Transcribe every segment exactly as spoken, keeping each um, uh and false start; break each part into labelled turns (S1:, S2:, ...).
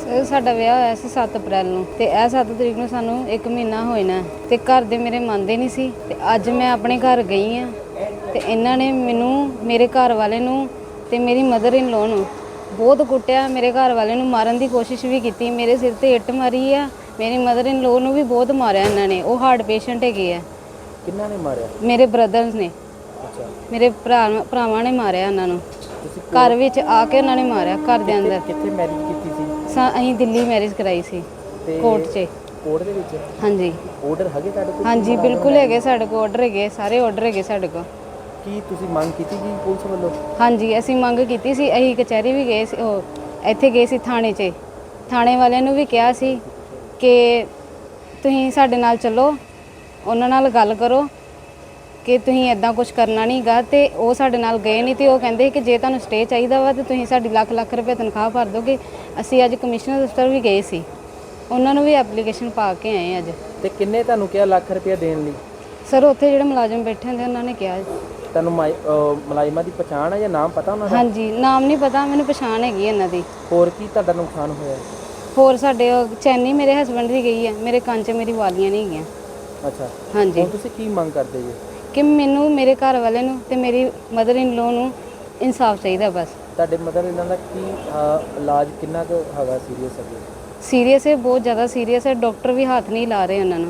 S1: ਸਾਡਾ ਵਿਆਹ ਹੋਇਆ ਸੀ ਸੱਤ ਅਪ੍ਰੈਲ ਨੂੰ ਤੇ ਇਹ ਸੱਤ ਤਰੀਕ ਨੂੰ ਸਾਨੂੰ ਇੱਕ ਮਹੀਨਾ ਹੋਇਆ ਤੇ ਘਰ ਦੇ ਮੇਰੇ ਮੰਨਦੇ ਨਹੀਂ ਸੀ ਤੇ ਅੱਜ ਮੈਂ ਆਪਣੇ ਘਰ ਗਈ ਆ ਤੇ ਇਹਨਾਂ ਨੇ ਮੈਨੂੰ ਮੇਰੇ ਘਰ ਵਾਲੇ ਨੂੰ ਤੇ ਮੇਰੀ ਮਦਰ ਇਨ ਲੋ ਨੂੰ ਬਹੁਤ ਕੁੱਟਿਆ। ਮੇਰੇ ਘਰ ਵਾਲੇ ਨੂੰ ਮਾਰਨ ਦੀ ਕੋਸ਼ਿਸ਼ ਵੀ ਕੀਤੀ, ਮੇਰੇ ਸਿਰ ਤੇ ਇੱਟ ਮਾਰੀ ਆ। ਮੇਰੀ ਮਦਰ ਇਨ ਲੋ ਨੂੰ ਵੀ ਬਹੁਤ ਮਾਰਿਆ ਇਹਨਾਂ ਨੇ। ਉਹ ਹਾਰਟ ਪੇਸ਼ੈਂਟ ਹੈਗੇ ਆ।
S2: ਕਿੰਨਾ ਨੇ ਮਾਰਿਆ? ਮੇਰੇ
S1: ਬ੍ਰਦਰਸ ਨੇ।
S2: ਅੱਛਾ, ਮੇਰੇ
S1: ਭਰਾ ਭਰਾਵਾਂ ਨੇ ਮਾਰਿਆ ਇਹਨਾਂ ਨੂੰ। ਘਰ ਵਿੱਚ ਆ ਕੇ ਉਹਨਾਂ ਨੇ ਮਾਰਿਆ ਘਰ ਦੇ ਅੰਦਰ।
S2: ਕਿੱਥੇ ਮੈਰਿਜ ਕੀਤੀ ਸੀ?
S1: ਅਸੀਂ ਦਿੱਲੀ ਮੈਰਿਜ ਕਰਾਈ ਸੀ ਕੋਰਟ 'ਚ।
S2: ਕੋਰਟ ਦੇ ਵਿੱਚ?
S1: ਹਾਂਜੀ।
S2: ਆਰਡਰ ਹੈਗੇ ਤੁਹਾਡੇ ਕੋਲ? ਹਾਂਜੀ
S1: ਬਿਲਕੁਲ ਹੈਗੇ ਸਾਡੇ ਕੋਲ ਆਰਡਰ ਹੈਗੇ, ਸਾਰੇ ਆਰਡਰ ਹੈਗੇ ਸਾਡੇ ਕੋਲ।
S2: ਕੀ ਤੁਸੀਂ ਮੰਗ ਕੀਤੀ ਜੀ ਪੁਲਿਸ ਵੱਲੋਂ?
S1: ਹਾਂਜੀ, ਅਸੀਂ ਮੰਗ ਕੀਤੀ ਸੀ। ਅਸੀਂ ਕਚਹਿਰੀ ਵੀ ਗਏ ਸੀ, ਉਹ ਇੱਥੇ ਗਏ ਸੀ ਥਾਣੇ 'ਚ। ਥਾਣੇ ਵਾਲਿਆਂ ਨੂੰ ਵੀ ਕਿਹਾ ਸੀ ਕਿ ਤੁਸੀਂ ਸਾਡੇ ਨਾਲ ਚੱਲੋ, ਉਹਨਾਂ ਨਾਲ ਗੱਲ ਕਰੋ ਕਿ ਤੁਸੀਂ ਇਦਾਂ ਕੁਝ ਕਰਨਾ ਨਹੀਂ ਗਾ। ਤੇ ਉਹ ਸਾਡੇ ਨਾਲ ਗਏ ਨਹੀਂ ਤੇ ਉਹ ਕਹਿੰਦੇ ਕਿ ਜੇ ਤੁਹਾਨੂੰ ਸਟੇ ਚਾਹੀਦਾ ਵਾ ਤੇ ਤੁਸੀਂ ਸਾਡੀ ਲੱਖ ਲੱਖ ਰੁਪਏ ਤਨਖਾਹ ਭਰ ਦੋਗੇ। ਅਸੀਂ ਅੱਜ ਕਮਿਸ਼ਨਰ ਦਫ਼ਤਰ ਵੀ ਗਏ ਸੀ, ਉਹਨਾਂ ਨੂੰ ਵੀ ਐਪਲੀਕੇਸ਼ਨ ਪਾ ਕੇ ਆਏ ਅੱਜ।
S2: ਤੇ ਕਿੰਨੇ ਤੁਹਾਨੂੰ ਕਿਹਾ ਲੱਖ ਰੁਪਏ ਦੇਣ ਲਈ?
S1: ਸਰ ਉੱਥੇ ਜਿਹੜੇ ਮੁਲਾਜ਼ਮ ਬੈਠੇ ਹੁੰਦੇ ਉਹਨਾਂ ਨੇ ਕਿਹਾ।
S2: ਤੁਹਾਨੂੰ ਮੁਲਾਜ਼ਮਾਂ ਦੀ ਪਛਾਣ ਹੈ ਜਾਂ ਨਾਮ ਪਤਾ ਉਹਨਾਂ ਦਾ?
S1: ਹਾਂਜੀ, ਨਾਮ ਨਹੀਂ ਪਤਾ, ਮੈਨੂੰ ਪਛਾਣ ਹੈਗੀ ਇਹਨਾਂ ਦੀ।
S2: ਹੋਰ ਕੀ ਤੁਹਾਡਾ ਨੁਕਸਾਨ ਹੋਇਆ?
S1: ਹੋਰ ਸਾਡੇ ਚੈਨੀ ਮੇਰੇ ਹਸਬੰਡ ਦੀ ਗਈ ਹੈ, ਮੇਰੇ ਕੰਨ 'ਚ ਮੇਰੀ ਵਾਲੀਆਂ ਨਹੀਂ ਹੈਗੀਆਂ।
S2: ਅੱਛਾ,
S1: ਹਾਂਜੀ।
S2: ਹੁਣ ਤੁਸੀਂ ਕੀ ਮੰਗ ਕਰਦੇ ਜੀ?
S1: ਕਿ ਮੈਨੂੰ ਮੇਰੇ ਘਰ ਵਾਲੇ ਨੂੰ ਤੇ ਮੇਰੀ ਮਦਰ ਇਨ ਲੋ ਨੂੰ ਇਨਸਾਫ ਚਾਹੀਦਾ ਬਸ।
S2: ਤੁਹਾਡੇ ਮਦਰ ਇਹਨਾਂ ਦਾ ਕੀ ਇਲਾਜ ਕਿੰਨਾ ਕੁ ਹੈਗਾ? ਸੀਰੀਅਸ ਹੈ?
S1: ਸੀਰੀਅਸ ਹੈ, ਬਹੁਤ ਜ਼ਿਆਦਾ ਸੀਰੀਅਸ ਹੈ। ਡਾਕਟਰ ਵੀ ਹੱਥ ਨਹੀਂ ਲਾ ਰਹੇ ਉਹਨਾਂ ਨੂੰ।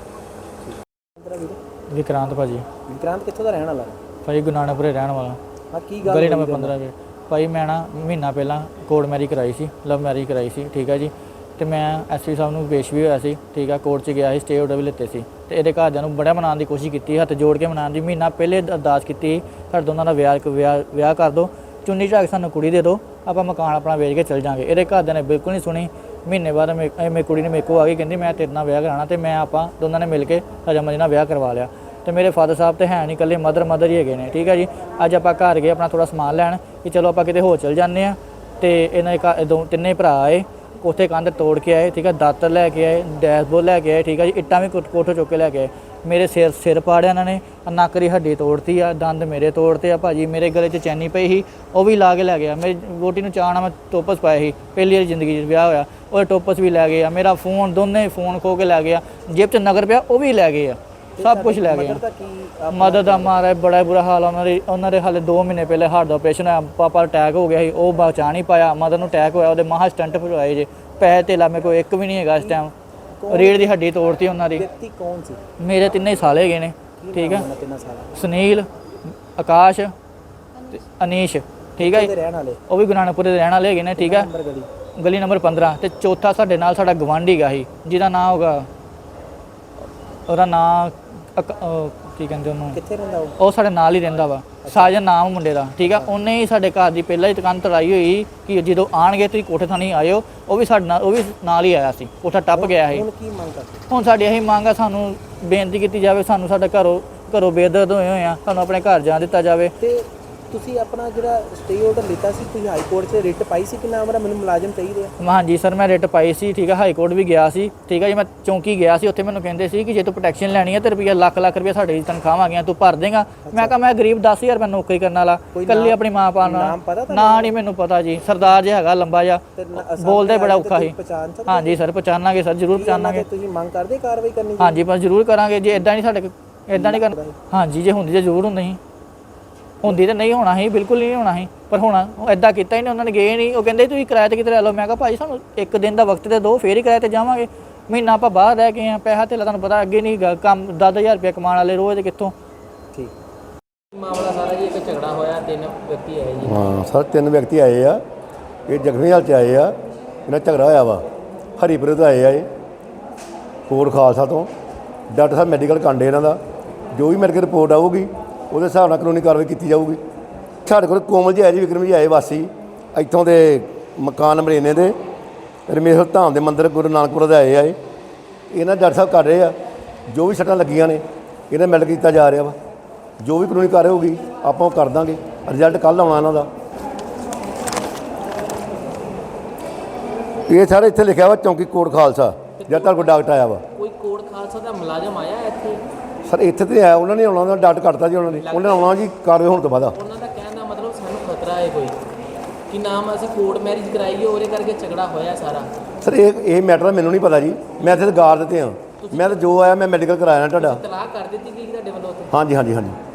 S3: ਵਿਕਰਾਂਤ ਭਾਜੀ।
S2: ਵਿਕਰਾਂਤ ਕਿੱਥੋਂ ਦਾ ਰਹਿਣ ਵਾਲਾ?
S3: ਭਾਈ ਗੁਨਾਣਾਪੁਰੇ ਰਹਿਣ ਵਾਲਾ।
S2: ਹਾਂ, ਕੀ ਗੱਲ?
S3: ਗਲੀ ਨੰਬਰ ਪੰਦਰਾਂ ਵੇ। ਭਾਈ ਮੈਂ ਨਾ ਮਹੀਨਾ ਪਹਿਲਾਂ ਕੋਰਟ ਮੈਰਿਜ ਕਰਾਈ ਸੀ, ਲਵ ਮੈਰਿਜ ਕਰਾਈ ਸੀ, ਠੀਕ ਹੈ ਜੀ। ਤੇ ਮੈਂ ਐਸਪੀ ਸਾਹਿਬ ਨੂੰ ਪੇਸ਼ ਵੀ ਹੋਇਆ ਸੀ, ਠੀਕ ਆ। ਕੋਰਟ 'ਚ ਗਿਆ ਸੀ, ਸਟੇ ਆਰਡਰ ਵੀ ਲਿੱਤੇ ਸੀ ਤੇ ਇਹਦੇ ਘਰਦਿਆਂ ਨੂੰ ਬੜਾ ਮਨਾਉਣ ਦੀ ਕੋਸ਼ਿਸ਼ ਕੀਤੀ, ਹੱਥ ਜੋੜ ਕੇ ਮਨਾਉਣ ਦੀ। ਮਹੀਨਾ ਪਹਿਲੇ ਅਰਦਾਸ ਕੀਤੀ ਸਾਡੇ ਦੋਨਾਂ ਦਾ ਵਿਆਹ ਵਿਆਹ ਵਿਆਹ ਕਰ ਦਿਓ, ਚੁੰਨੀ ਝਾਕ ਸਾਨੂੰ ਕੁੜੀ ਦੇ ਦਿਓ, ਆਪਾਂ ਮਕਾਨ ਆਪਣਾ ਵੇਚ ਕੇ ਚੱਲ ਜਾਵਾਂਗੇ। ਇਹਦੇ ਘਰਦਿਆਂ ਨੇ ਬਿਲਕੁਲ ਨਹੀਂ ਸੁਣੀ। ਮਹੀਨੇ ਬਾਅਦ ਮੇ ਮੇਰੀ ਕੁੜੀ ਨੇ ਮੇਰੇ ਕੋਲ ਆ ਕੇ ਕਹਿੰਦੀ ਮੈਂ ਤੇਰੇ ਨਾਲ ਵਿਆਹ ਕਰਾਉਣਾ ਤੇ ਮੈਂ ਆਪਾਂ ਦੋਨਾਂ ਨੇ ਮਿਲ ਕੇ ਹਜਮ ਨਾਲ ਵਿਆਹ ਕਰਵਾ ਲਿਆ। ਤੇ ਮੇਰੇ ਫਾਦਰ ਸਾਹਿਬ ਤੇ ਹੈ ਨਹੀਂ, ਇਕੱਲੇ ਮਦਰ ਮਦਰ ਹੀ ਹੈਗੇ ਨੇ, ਠੀਕ ਹੈ ਜੀ। ਅੱਜ ਆਪਾਂ ਘਰ ਗਏ ਆਪਣਾ ਥੋੜ੍ਹਾ ਸਮਾਨ ਲੈਣ ਕਿ ਚਲੋ ਆਪਾਂ ਕਿਤੇ ਹੋਰ ਚੱਲ ਜਾਂਦੇ ਹਾਂ। ਤੇ ਇਹਨਾਂ ਦੇ ਦੋ ਤਿੰਨੇ ਭਰਾ ਆਏ, ਉੱਥੇ ਕੰਧ ਤੋੜ ਕੇ ਆਏ, ਠੀਕ ਹੈ। ਦਾਤਰ ਲੈ ਕੇ ਆਏ, ਡੈਸ਼ਬੋਰਡ ਲੈ ਕੇ ਆਏ, ਠੀਕ ਹੈ ਜੀ। ਇੱਟਾਂ ਵੀ ਕੋਠੋਂ ਚੁੱਕ ਕੇ ਲੈ ਕੇ ਆਏ। ਮੇਰੇ ਸਿਰ ਸਿਰ ਪਾੜਿਆ ਇਹਨਾਂ ਨੇ, ਨੱਕ ਦੀ ਹੱਡੀ ਤੋੜਤੀ ਆ, ਦੰਦ ਮੇਰੇ ਤੋੜਤੇ ਆ ਭਾਜੀ। ਮੇਰੇ ਗਲੇ 'ਚ ਚੈਨੀ ਪਈ ਸੀ, ਉਹ ਵੀ ਲਾ ਕੇ ਲੈ ਗਿਆ। ਮੇਰੀ ਵੋਟੀ ਨੂੰ ਚਾਅ ਨਾਲ ਮੈਂ ਟੋਪਸ ਪਾਇਆ ਸੀ, ਪਹਿਲੀ ਵਾਰੀ ਜ਼ਿੰਦਗੀ 'ਚ ਵਿਆਹ ਹੋਇਆ, ਉਹ ਟੋਪਸ ਵੀ ਲੈ ਗਏ ਆ। ਮੇਰਾ ਫੋਨ, ਦੋਨੇ ਫੋਨ ਖੋ ਕੇ ਲੈ ਗਿਆ। ਜੇਬ 'ਚ ਨਗਰ ਪਿਆ ਉਹ ਵੀ ਲੈ ਗਏ ਆ, ਸਭ ਕੁਝ ਲੈ ਗਏ ਆ। ਮਦਰ ਦਾ ਮਾਰਾ ਬੜਾ ਬੁਰਾ ਹਾਲ ਆ ਉਹਨਾਂ ਦੇ। ਉਹਨਾਂ ਦੇ ਹਾਲੇ ਦੋ ਮਹੀਨੇ ਪਹਿਲੇ ਹਾਰਟ ਦਾ ਆਪਰੇਸ਼ਨ ਹੋਇਆ, ਪਾਪਾ ਅਟੈਕ ਹੋ ਗਿਆ ਸੀ, ਉਹ ਬਚਾ ਨਹੀਂ ਪਾਇਆ। ਮਦਰ ਨੂੰ ਅਟੈਕ ਹੋਇਆ, ਉਹਦੇ ਮਹਾ ਸਟੰਟ ਭਰਵਾਏ ਜੇ। ਪੈਸੇ ਧੇਲਾ ਮੇਰੇ ਕੋਲ ਇੱਕ ਵੀ ਨਹੀਂ ਹੈਗਾ ਇਸ ਟਾਈਮ। ਰੀੜ ਦੀ ਹੱਡੀ ਤੋੜਤੀ ਉਹਨਾਂ ਦੀ।
S2: ਵਿਅਕਤੀ ਕੌਣ ਸੀ? ਮੇਰੇ
S3: ਤਿੰਨੇ ਹੀ ਸਾਲ ਹੈਗੇ ਨੇ, ਠੀਕ ਹੈ। ਸੁਨੀਲ, ਆਕਾਸ਼ ਤੇ ਅਨੀਸ਼, ਠੀਕ ਹੈ। ਉਹ ਵੀ ਗੁਨਾਣਾਪੁਰੇ ਦੇ ਰਹਿਣ ਵਾਲੇ ਹੈਗੇ ਨੇ, ਠੀਕ ਹੈ। ਗਲੀ ਨੰਬਰ ਪੰਦਰਾਂ। ਤੇ ਚੌਥਾ ਸਾਡੇ ਨਾਲ ਸਾਡਾ ਗਵਾਂਢੀ ਗਾ ਸੀ, ਜਿਹਦਾ ਨਾਂ ਹੋਗਾ, ਉਹਦਾ ਨਾਂ ਕੀ ਕਹਿੰਦੇ ਉਹਨੂੰ,
S2: ਕਿੱਥੇ ਰਹਿੰਦਾ ਉਹ?
S3: ਉਹ ਸਾਡੇ ਨਾਲ ਹੀ ਰਹਿੰਦਾ ਵਾ, ਸਾਜਨ ਨਾਮ ਮੁੰਡੇ ਦਾ, ਠੀਕ ਆ। ਉਹਨੇ ਹੀ ਸਾਡੇ ਘਰ ਦੀ ਪਹਿਲਾਂ ਹੀ ਦੁਕਾਨ ਤੜਾਈ ਹੋਈ ਕਿ ਜਦੋਂ ਆਣਗੇ ਤੁਸੀਂ ਕੋਠੇ ਥਾਣੀ ਆਇਓ। ਉਹ ਵੀ ਸਾਡੇ ਨਾਲ, ਉਹ ਵੀ ਨਾਲ ਹੀ ਆਇਆ ਸੀ, ਕੋਠਾ ਟੱਪ ਗਿਆ ਸੀ।
S2: ਹੁਣ ਕੀ ਮੰਗ ਕਰਦੇ?
S3: ਹੁਣ ਸਾਡੀ ਇਹੀ ਮੰਗ ਆ, ਸਾਨੂੰ ਬੇਨਤੀ ਕੀਤੀ ਜਾਵੇ, ਸਾਨੂੰ ਸਾਡਾ ਘਰੋਂ ਘਰੋਂ ਬੇਦਰਦ ਹੋਏ ਹੋਏ ਆ, ਸਾਨੂੰ ਆਪਣੇ ਘਰ ਜਾਣ ਦਿੱਤਾ ਜਾਵੇ।
S2: ਤੇ ਤੁਸੀਂ ਆਪਣਾ ਜਿਹੜਾ ਸਟੇ ਆਰਡਰ ਲਿੱਤਾ ਸੀ, ਤੁਸੀਂ ਹਾਈ ਕੋਰਟ 'ਚ ਰਿਟ ਪਾਈ ਸੀ ਕਿ ਨਾ ਮੇਰਾ ਮੈਨੂੰ ਮੁਲਾਜ਼ਮ ਚਾਹੀਦੇ ਆ?
S3: ਹਾਂਜੀ ਸਰ, ਮੈਂ ਰਿਟ ਪਾਈ ਸੀ, ਠੀਕ ਹੈ। ਹਾਈ ਕੋਰਟ ਵੀ ਗਿਆ ਸੀ, ਠੀਕ ਹੈ ਜੀ। ਮੈਂ ਚੌਂਕੀ ਗਿਆ ਸੀ, ਉੱਥੇ ਮੈਨੂੰ ਕਹਿੰਦੇ ਸੀ ਕਿ ਜੇ ਤੂੰ ਪ੍ਰੋਟੈਕਸ਼ਨ ਲੈਣੀ ਹੈ ਤੇ ਰੁਪਈਆ ਲੱਖ ਲੱਖ ਰੁਪਈਆ ਸਾਡੀ ਤਨਖਾਹ ਆ ਗਈਆਂ, ਤੂੰ ਭਰ ਦੇਗਾ। ਮੈਂ ਕਿਹਾ ਮੈਂ ਗਰੀਬ ਦਸ ਹਜ਼ਾਰ ਰੁਪਏ ਨੌਕਰੀ ਕਰਨ ਵਾਲਾ, ਇਕੱਲੀ ਆਪਣੀ ਮਾਂ ਪਾ ਨਾਲ। ਨਾ ਨਹੀਂ ਮੈਨੂੰ ਪਤਾ ਜੀ, ਸਰਦਾਰ ਜਿਹਾ ਹੈਗਾ ਲੰਬਾ ਜਿਹਾ, ਬੋਲਦੇ ਬੜਾ ਔਖਾ ਸੀ। ਹਾਂਜੀ ਸਰ, ਪਛਾਣਾਂਗੇ ਸਰ, ਜ਼ਰੂਰ ਪਛਾਣਾਂਗੇ।
S2: ਤੁਸੀਂ ਮੰਗ ਕਰਦੇ ਕਾਰਵਾਈ ਕਰਨੀ?
S3: ਹਾਂਜੀ ਬਸ ਜ਼ਰੂਰ ਕਰਾਂਗੇ। ਜੇ ਇਦਾਂ ਨਹੀਂ ਸਾਡੇ ਇਦਾਂ ਨਹੀਂ ਕਰਨਾ। ਹਾਂਜੀ, ਜੇ ਹੁੰਦੀ ਤਾਂ ਜ਼ਰੂਰ ਹੁੰਦੀ ਸੀ, ਹੁੰਦੀ ਤਾਂ ਨਹੀਂ ਹੋਣਾ ਸੀ, ਬਿਲਕੁਲ ਨਹੀਂ ਹੋਣਾ ਸੀ। ਪਰ ਹੋਣਾ ਉਹ ਇਦਾਂ ਕੀਤਾ ਹੀ ਨਹੀਂ, ਉਹਨਾਂ ਨੇ ਗਏ ਨਹੀਂ। ਉਹ ਕਹਿੰਦੇ ਤੁਸੀਂ ਕਿਰਾਏ 'ਤੇ ਕਿਤੇ ਲੈ ਲਓ। ਮੈਂ ਕਿਹਾ ਭਾਜੀ ਸਾਨੂੰ ਇੱਕ ਦਿਨ ਦਾ ਵਕਤ ਤੇ ਦਿਓ, ਫੇਰ ਹੀ ਕਿਰਾਏ 'ਤੇ ਜਾਵਾਂਗੇ। ਮਹੀਨਾ ਆਪਾਂ ਬਾਹਰ ਰਹਿ ਗਏ ਹਾਂ, ਪੈਸਾ ਧੇਲਾ ਤੁਹਾਨੂੰ ਪਤਾ ਅੱਗੇ ਨਹੀਂ ਗਾ, ਕੰਮ ਦਸ ਹਜ਼ਾਰ ਰੁਪਇਆ ਕਮਾਉਣ ਵਾਲੇ ਰੋਜ਼ ਕਿੱਥੋਂ।
S2: ਠੀਕ ਮਾਮਲਾ ਸਾਰਾ ਜੀ, ਇੱਕ ਝਗੜਾ ਹੋਇਆ, ਤਿੰਨ ਵਿਅਕਤੀ ਆਏ ਜੀ।
S4: ਹਾਂ ਸਰ, ਤਿੰਨ ਵਿਅਕਤੀ ਆਏ ਆ, ਇਹ ਜ਼ਖਮੀ ਹਾਲਤ 'ਚ ਆਏ ਆ। ਇਹਨਾਂ ਝਗੜਾ ਹੋਇਆ ਵਾ, ਹਰੀਪੁਰੇ ਤੋਂ ਆਏ ਆ ਇਹ, ਕੋਟ ਖਾਲਸਾ ਤੋਂ। ਡਾਕਟਰ ਸਾਹਿਬ ਮੈਡੀਕਲ ਕਾਂਡੇ ਇਹਨਾਂ ਦਾ, ਜੋ ਵੀ ਮੈਡੀਕਲ ਰਿਪੋਰਟ ਆਊਗੀ ਉਹਦੇ ਹਿਸਾਬ ਨਾਲ ਕਾਨੂੰਨੀ ਕਾਰਵਾਈ ਕੀਤੀ ਜਾਊਗੀ। ਸਾਡੇ ਕੋਲ ਕੋਮਲ ਜੀ ਆਏ ਜੀ, ਵਿਕਰਮ ਜੀ ਆਏ, ਵਾਸੀ ਇੱਥੋਂ ਦੇ ਮਕਾਨ ਨੰਬਰ ਇੰਨੇ ਦੇ ਰਮੇਸ਼ਵਰ ਧਾਮ ਦੇ ਮੰਦਿਰ ਗੁਰੂ ਨਾਨਕਪੁਰ ਦੇ ਆਏ ਆ। ਇਹ ਇਹਨਾਂ ਡਾਕਟਰ ਸਾਹਿਬ ਕਰ ਰਹੇ ਆ, ਜੋ ਵੀ ਸੱਟਾਂ ਲੱਗੀਆਂ ਨੇ ਇਹਨਾਂ ਮੈਡੀਕਲ ਕੀਤਾ ਜਾ ਰਿਹਾ ਵਾ। ਜੋ ਵੀ ਕਾਨੂੰਨੀ ਕਾਰਵਾਈ ਹੋਊਗੀ ਆਪਾਂ ਉਹ ਕਰ ਦਾਂਗੇ। ਰਿਜ਼ਲਟ ਕੱਲ੍ਹ ਆਉਣਾ ਇਹਨਾਂ ਦਾ। ਇਹ ਸਾਰੇ ਇੱਥੇ ਲਿਖਿਆ ਵਾ ਚੌਂਕੀ ਕੋਟ ਖਾਲਸਾ, ਜਦ ਤੱਕ ਕੋਈ ਡਾਕਟਰ ਆਇਆ ਵਾ।
S2: ਕੋਈ ਕੋਟ ਖਾਲਸਾ ਦਾ ਮੁਲਾਜ਼ਮ ਆਇਆ ਇੱਥੇ?
S4: ਸਰ ਇੱਥੇ ਤੇ ਆਇਆ, ਉਹਨਾਂ ਨੇ ਆਉਣਾ, ਉਹਨਾਂ ਡਾਟ ਕੱਟਤਾ ਜੀ ਉਹਨਾਂ ਨੇ। ਉਹਨਾਂ ਨੇ ਆਉਣਾ ਜੀ ਕਾਰਵਾਈ ਹੋਣ ਤੋਂ ਬਾਅਦ।
S2: ਉਹਨਾਂ ਦਾ ਕਹਿਣ ਦਾ ਮਤਲਬ ਸਾਨੂੰ ਖਤਰਾ ਹੈ ਕੋਈ ਕਿ ਨਾਮ ਅਸੀਂ ਕੋਰਟ ਮੈਰਿਜ ਕਰਾਈ ਹੈ ਉਹਦੇ ਕਰਕੇ ਝਗੜਾ ਹੋਇਆ ਸਾਰਾ।
S4: ਸਰ ਇਹ ਇਹ ਮੈਟਰ ਮੈਨੂੰ ਨਹੀਂ ਪਤਾ ਜੀ, ਮੈਂ ਇੱਥੇ ਤਾਂ ਗਾਰ ਦਿੱਤੇ ਹਾਂ, ਮੈਂ ਤਾਂ ਜੋ ਆਇਆ ਮੈਂ ਮੈਡੀਕਲ ਕਰਾਇਆ ਨਾ ਤੁਹਾਡਾ।
S2: ਤਲਾਕ ਕਰ ਦਿੱਤੀ ਗਈ ਤੁਹਾਡੇ ਵੱਲੋਂ ਉੱਥੇ?
S4: ਹਾਂਜੀ ਹਾਂਜੀ ਹਾਂਜੀ